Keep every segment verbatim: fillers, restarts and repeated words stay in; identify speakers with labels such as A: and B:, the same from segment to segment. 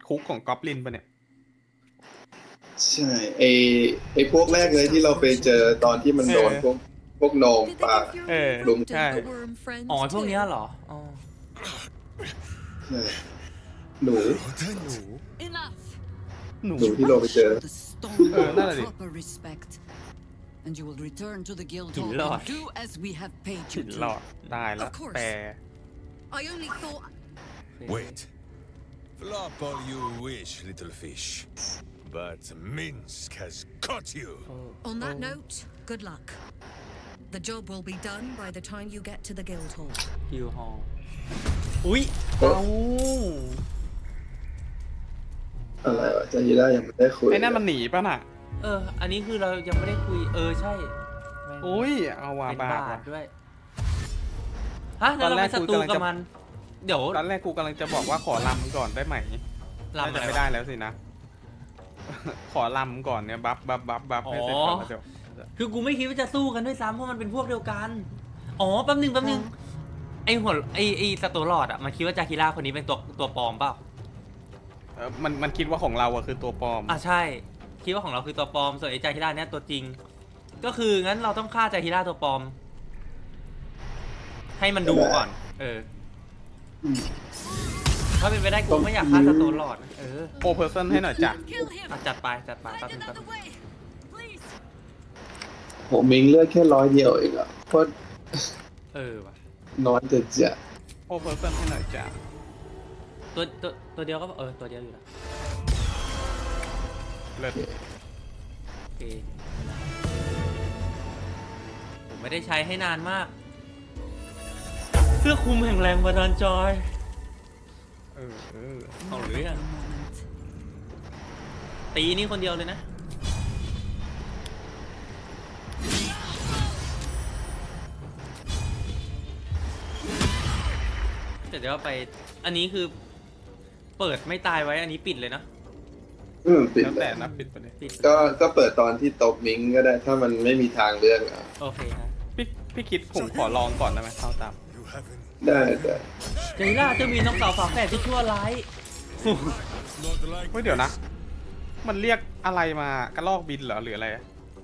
A: คุกของกอบลินปะเนี่ย
B: ใช่ไอไอพวกแรกเลยที่เราไปเจอตอนที่มันโดนพวกพวกโหนงปลา
A: เออ
B: ลุม
A: ใช่
C: อ๋อพวกเนี้ยเหรออ๋อ
B: ใช่หนู
C: หนู
A: หนู
B: หนูที่เราไปเจอ
A: เออนั่นแหละดิ
D: And you will return to the guild
C: หิน
D: hall
C: หลอด
D: and do as we have paid
A: ฉิ
D: you
A: น
D: to.
A: หลอดได้แล้ว
D: Of course
A: แต่
D: I only thought
E: Wait. Flop all you wish, little fish. But Minsk has caught you.
D: on that note, good luck. The job will be done by the time you get to the guild hall.
C: ฮิวฮอลอุ๊ย
A: เอ้า
B: อะไรวะจายิร่ายังไม่ได้คุย
A: ไอ้นั่นมันหนีป่ะน่ะ
C: เออ อันนี้คือเรายังไม่ได้คุย เออ ใช่
A: อุ้ยเอาว่า
C: เป็น
A: บา
C: บา
A: ป
C: ท
A: ว่ะ
C: ด้วย ฮะ แล้วเราเป็นศัตรูกับมัน เดี๋ยว
A: ตอนแรกกูกำลังจะบอกว่าขอลำก่อนได้ไหม
C: ลำ
A: น่า
C: อะไร
A: จะไม่
C: วะ
A: ได้แล้วสินะ ขอลำก่อนเนี่ยบัฟบัฟบัฟบัฟให้เสร็จก่อนแล้วเดี๋ยว
C: คือกูไม่คิดว่าจะสู้กันด้วยซ้ำเพราะมันเป็นพวกเดียวกัน อ๋อ แป๊บนึงแป๊บนึง ไอหัวไอไอสตูลอดอ่ะ มันคิดว่าจาคิร่าคนนี้เป็นตัวตัวปลอมเปล่า
A: เออมันมันคิดว่าของเราอะคือตัวปลอม
C: อ่ะใช่ คิดว่าของเราคือตัวปลอม ส่วนไอจาคิร่าเนี่ยตัวจริง ก็คืองั้นเราต้องฆ่าจาคิร่าตัวปลอม ให้มันดูก่อน เออ ถ้าเป็นไปได้กูไม่อยากฆ่าสตูลอดนะเออ
A: โอเพอร์เซนให้หน่อยจ้ะ
D: Kill him.
C: อ่ะจัดไปจัดไปตัด
D: Find
C: ถึงตัด
D: another way, please.
B: ผมมิงเลือดแค่ร้อยเดียวเองอ่ะโคตร
C: เออว่ะ
B: น้อยแต่จะ
A: โอเพอร์เซนให้หน่อยจ้ะ
C: ตัวตัวตัวเดียวก็เออตัวเดียวอยู่นะ
A: เลิศ
C: โอเคผมไม่ได้ใช้ให้นานมาก เสื้อคลุมแห่งแรงบันดาลใจ
A: เออเออ
C: เอาหรือยัง
D: A moment.
C: ตีนี่คนเดียวเลยนะ แต่เดี๋ยวไป อันนี้คือ เปิดไม่ตายไว้ อันนี้ปิดเลยนะ
B: อืมปิด
A: แล้ว
B: แล้
A: แต่
B: ว
A: นะปิดไปเลย
C: ปิด
B: ก็ก็เปิดตอนที่ตบมิงก็ได้ ถ้ามันไม่มีทางเลือกอ่ะ
C: โอเคฮะ
A: พี่พี่คิดผมขอลองก่อนได้ไหมเข้าตาม
E: You haven't
B: ได้ได้
C: เจล่าจะมีน้องสาวฝาแฝดที่ชั่วร้าย
E: not like
A: เฮ้ยเดี๋ยวนะ มันเรียกอะไรมากระลอกบินเหรอหรืออะไร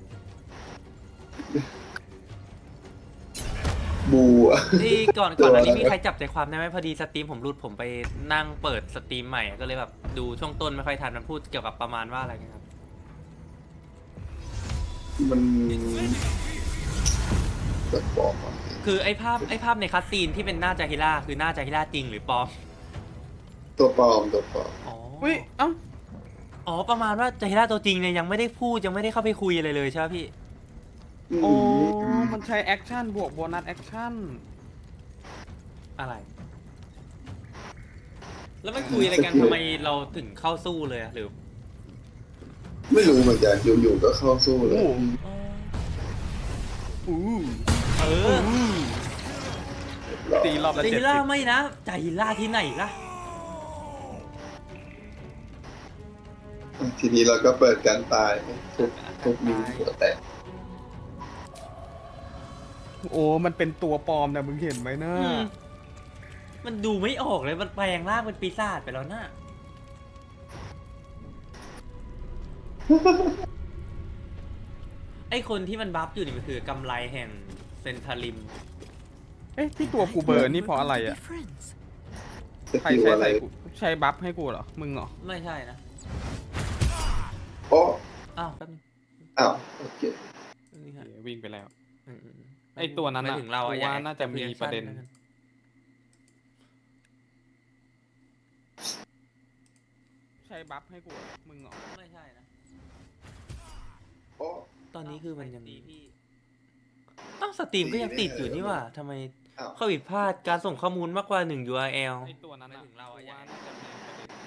B: บูอ่ะ
C: ที่ก่อนก่อนอันนี้มีใครจับใจความได้ไหมพอดีสตรีมผมรุดผมไปนั่งเปิดสตรีมใหม่ก็เลยแบบดูช่วงต้นไม่ค่อยทันมันพูดเกี่ยวกับประมาณว่าอะไรกันครับ
B: มันจะบอกว่า
C: คือไอ้ภาพไอ้ภาพในคัสซีนที่เป็นหน้าจาฮิล่าคือหน้าจาฮิล่าจริงหรือปลอม
B: ตัวปลอมตัวปลอม
C: อ๋อ
A: อุ้ยเอ้า
C: อ๋อประมาณว่าจาฮิล่าตัวจริงเนี่ยยังไม่ได้พูดยังไม่ได้เข้าไปคุยอะไรเลยใช่ไหมพี่
A: โอ้มันใช้แอคชั่นบวกโบนัสแอคชั่น
C: อะไร แล้วมันคุยอะไรกันทำไมเราถึงเข้าสู้เลยอะหรือ
B: ไม่รู้เหมือนกันอยู่ๆก็เข้าสู้เลย
A: โอ้
C: อ๋อ
A: อู้
C: เออ
A: ตีรอบละ
C: จา
A: เจ็
C: ฮิ
A: ด
C: ล่า
A: สิบ
C: ไม่นะจาฮิล่าที่ไหนล่ะ
B: ทีนี้เราก็เปิดการตายทุกทุกมิงหัวแตก
A: โอ้มันเป็นตัวปลอมนะมึงเห็นไหมนะ
C: อืมมันดูไม่ออกเลยมันแปลงร่างเป็นปีศาจไปแล้วน่ะ ไอคนที่มันบัฟอยู่นี่มันคือกำไรแห่งเซนทาริม
A: เอ๊ะที่ตัวกูเบอร์นี่เพราะอะไรอ่ะ
D: Be friends.
B: ส
A: ใคร
B: กิล
A: ใช้
B: อะไร
A: ใส่กูใช้บัฟให้กูเหรอ มึงเหรอ
C: ไม่ใช่นะ
B: โอ้
C: อ้าวแป๊บนึง
B: อ้าวโอเค
C: นี่ฮะ
A: วิ่งไปแล้ว
C: อืมๆ
A: ไอ้ตัวนั้น
C: ไม่
A: น่ะ
C: ถึงเราอะ
A: กูว่า
C: อย่
A: น่าจะมีประเด็น
C: แอคชั่
A: ใช้บัฟให้กูเหรอมึงเหรอ
C: ไม่ใช่นะ
B: โอ้
C: ตอนนี้คือมันยังตีพี่อ้าวสตรีมก็ยังติดอยู่นี่หว่าทำไม
B: อ้าว
C: ข้อผิดพลาดการส่งข้อมูลมากกว่าหนึ่ง ยู อาร์ แอล
A: ไอ้ตัวนั้น
C: ไม่
A: น่ะ
C: ถึงเราอะ
A: กูว่าน่าจะมีประเด็น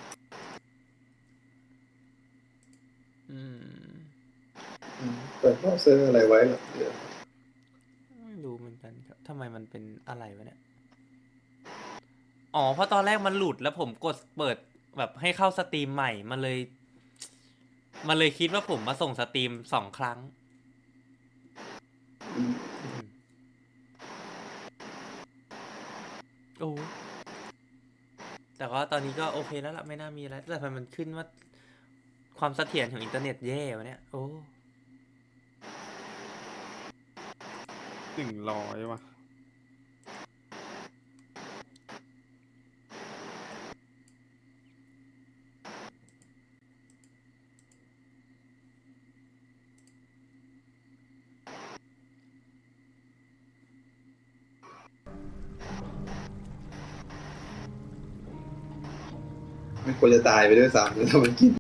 C: อืม
B: อืมเปิดเบราว์เซอร์อะไรไว้เหรอเดี๋ยว
C: ไม่รู้เหมือนกันครับทำไมมันเป็นอะไรวะเนี่ย อ๋อ เพราะตอนแรกมันหลุดแล้วผมกดเปิดแบบให้เข้าสตรีมใหม่ มันเลย มันเลยคิดว่าผมมาส่งสตรีมสองครั้ง
B: อืม
C: โอ้แต่ว่าตอนนี้ก็โอเคแล้วล่ะไม่น่ามีอะไรแต่ทำไมมันขึ้นว่าความเสถียรของอินเทอร์เน็ตแย่วะเนี่ยโอ้
A: หนึ่งร้อยว่ะ
B: ไม่ควรจะตายไปด้วยซ้ำแล้วถ้ามันกิน